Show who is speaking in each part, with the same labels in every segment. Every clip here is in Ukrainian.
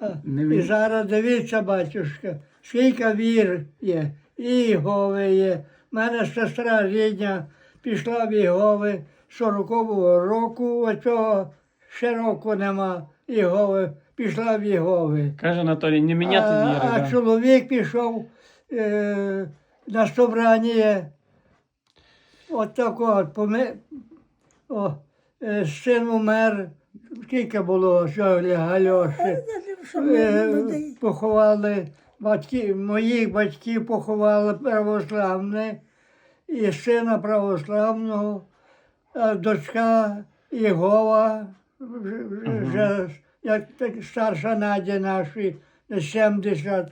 Speaker 1: І зараз дивіться, батюшка, скільки вір є, і Єгови є. У мене сестра рідня пішла в Єгови 40-го року, оцього ще року нема Єгови, пішла в Єгови.
Speaker 2: Каже Анатолій, не міняти віри.
Speaker 1: А чоловік пішов на собрання, от такого, син умер, скільки було Гальоші, поховали, моїх батьків поховали православне, і сина православного, а дочка Єгова, вже як старша Надя наші, 70,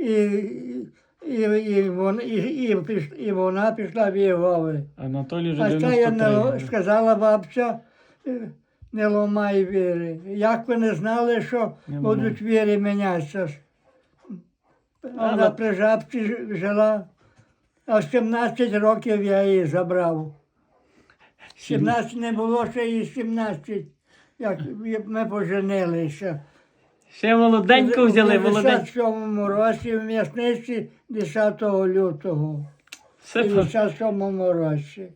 Speaker 1: і вона пішла в Єгови.
Speaker 2: Анатолій вже
Speaker 1: А це
Speaker 2: 93.
Speaker 1: сказала бабця, не ламай віри. Як ви не знали, що будуть віри мінятися? Вона при жабці жила, а в 17 років я її забрав. 17 не було, ще і 17, як ми поженилися.
Speaker 2: Ще молоденько взяли,
Speaker 1: У
Speaker 2: молоденько.
Speaker 1: 57-му році в м'ясниці 10 лютого.
Speaker 2: Все
Speaker 1: В 57-му році.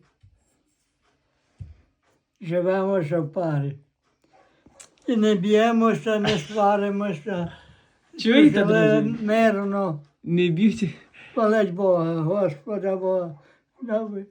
Speaker 1: Живемося в парі. І не б'ємося, не сваримося.
Speaker 2: Чуєте,
Speaker 1: Жили
Speaker 2: друзі?
Speaker 1: мирно.
Speaker 2: Не б'ють.
Speaker 1: Хвалить Бога, Господа Бога. Добре.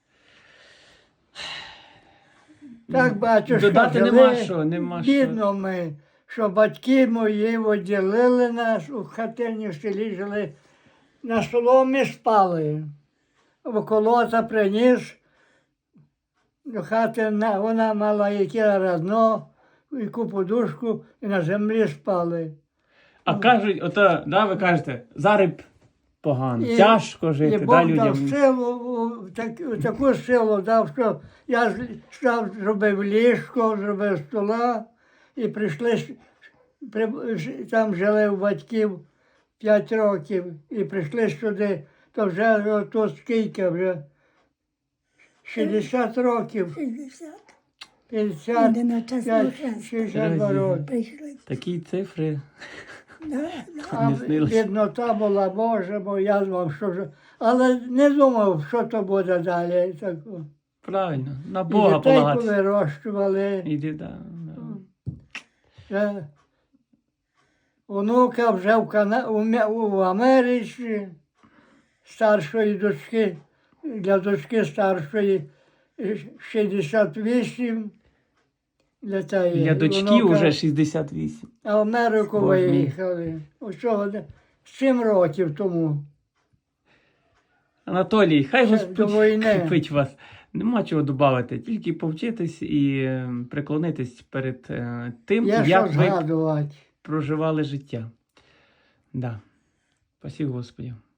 Speaker 1: Так, батюшка,
Speaker 2: Додати нема що, нема що.
Speaker 1: бідно ми, що батьки мої відділили нас у хатині в селі жили, на соломі спали. Околота приніс до хати, вона мала яке разно, яку подушку, і на землі спали.
Speaker 2: А кажуть, ото, да, ви кажете, зараз погано,
Speaker 1: І-
Speaker 2: тяжко жити,
Speaker 1: І
Speaker 2: да,
Speaker 1: Бог
Speaker 2: людям.
Speaker 1: дав силу, таку силу дав, що я зробив ліжко, зробив стола, і прийшли, там жили у батьків 5 років, і прийшли сюди, то вже тут скільки вже, 60 років,
Speaker 3: 60.
Speaker 1: 50,
Speaker 3: Іде на час
Speaker 1: 62 роки.
Speaker 3: Прийшли.
Speaker 2: Такі цифри.
Speaker 3: Да.
Speaker 1: А
Speaker 2: Не снилось.
Speaker 1: біднота була, Боже, бо я думав, що вже, але не думав, що то буде далі. Тако.
Speaker 2: Правильно, на
Speaker 1: І
Speaker 2: Бога
Speaker 1: дітей
Speaker 2: полагатися.
Speaker 1: повирощували.
Speaker 2: Іди, да.
Speaker 1: Онука вже в Америці, старшої дочки, для дочки старшої 68 літає.
Speaker 2: Для дочки
Speaker 1: Онука,
Speaker 2: вже 68.
Speaker 1: А в Америку
Speaker 2: Боже мій.
Speaker 1: виїхали. Усього 7 років тому.
Speaker 2: Анатолій, хай
Speaker 1: Ще
Speaker 2: Господь
Speaker 1: до війни.
Speaker 2: кріпить вас. Нема чого додати, тільки повчитись і преклонитись перед тим,
Speaker 1: Є що
Speaker 2: як ви
Speaker 1: згадувати.
Speaker 2: проживали життя. Да. Спасибо Господі.